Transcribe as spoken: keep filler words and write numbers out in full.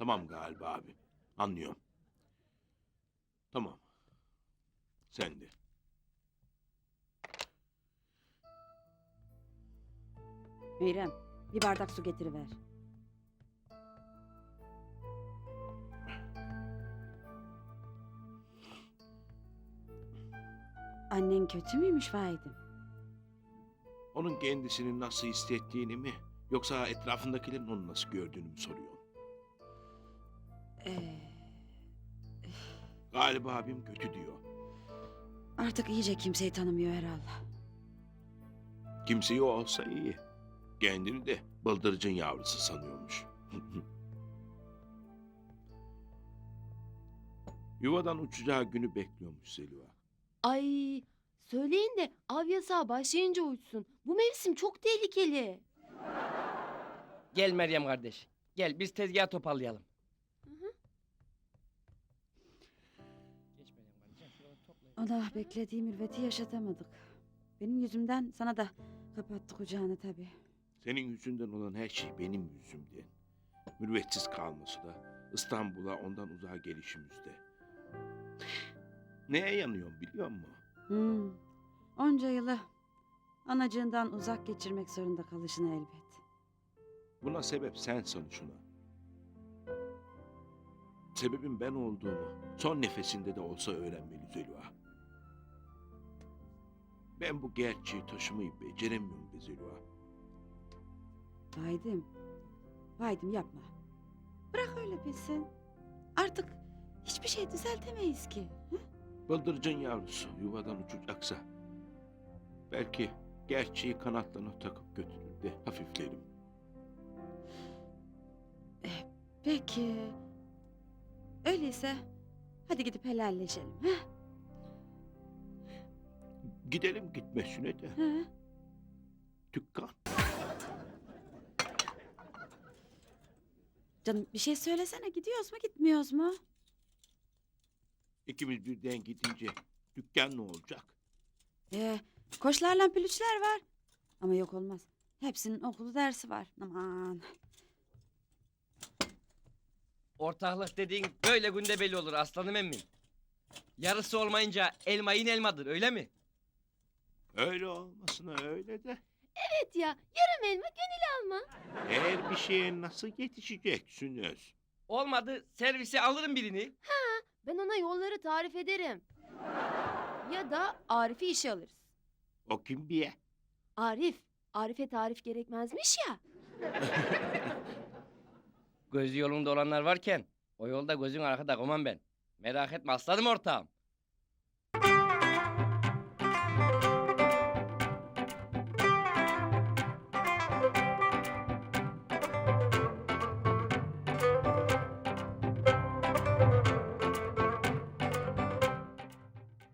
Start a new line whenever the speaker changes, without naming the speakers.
Tamam galiba abi. Anlıyorum. Tamam. Sen de.
Meyrem, bir bardak su getiriver. Annen kötü müymüş Vahit'im?
Onun kendisini nasıl hissettiğini mi yoksa etrafındakilerin onu nasıl gördüğünü mü soruyorsun?
Ee,
Galiba abim kötü diyor.
artık iyice kimseyi tanımıyor herhalde.
Kimseyi olsa iyi. Kendini de bıldırcın yavrusu sanıyormuş. Yuvadan uçacağı günü bekliyormuş Zeliha.
Ay, söyleyin de av yasağı başlayınca uçsun. Bu mevsim çok tehlikeli.
Gel Meryem kardeş. Gel biz tezgahı toparlayalım. Geç Meryem kardeşim, şuraları toplayalım.
Allah beklediği mürveti yaşatamadık. Benim yüzümden sana da kapattık ocağını tabii.
Senin yüzünden olan her şey benim yüzümden. Mürvetsiz kalması da İstanbul'a ondan uzağa gelişimizde. Neye yanıyorum biliyor musun?
Hmm. Onca yılı anacığından uzak geçirmek zorunda kalışına elbet.
Buna sebep sensin şuna. Sebebin ben olduğumu son nefesinde de olsa öğrenmeli Zeliha. Ben bu gerçeği taşımayı beceremiyorum be Zeliha.
Vahit'im, Vahit'im yapma. Bırak öyle bilsin. Artık hiçbir şey düzeltemeyiz ki. Hı?
Bıldırcın yavrusu yuvadan uçacaksa belki gerçeği kanatlarına takıp götürür de hafiflerim.
Peki. Öyleyse hadi gidip helalleşelim. He?
Gidelim gitmesine de
He?
dükkan.
Canım bir şey söylesene, gidiyoruz mu gitmiyoruz mu?
İkimiz birden gidince dükkan ne olacak?
Ee, koçlarla pülüçler var. Ama yok olmaz. Hepsinin okulu dersi var. Aman.
Ortaklık dediğin böyle günde belli olur aslanım emmim. Yarısı olmayınca elma yine elmadır öyle mi?
Öyle olmasına öyle de.
Evet ya, yarım elma gönül alma.
Eğer bir şeye nasıl yetişeceksiniz?
Olmadı servise alırım birini.
Ben ona yolları tarif ederim. Ya da Arif'i işe alırız.
O kim diye?
Arif, Arif'e tarif gerekmezmiş ya.
Gözü yolunda olanlar varken o yolda gözün arkada koman ben. Merak etme aslanım ortağım.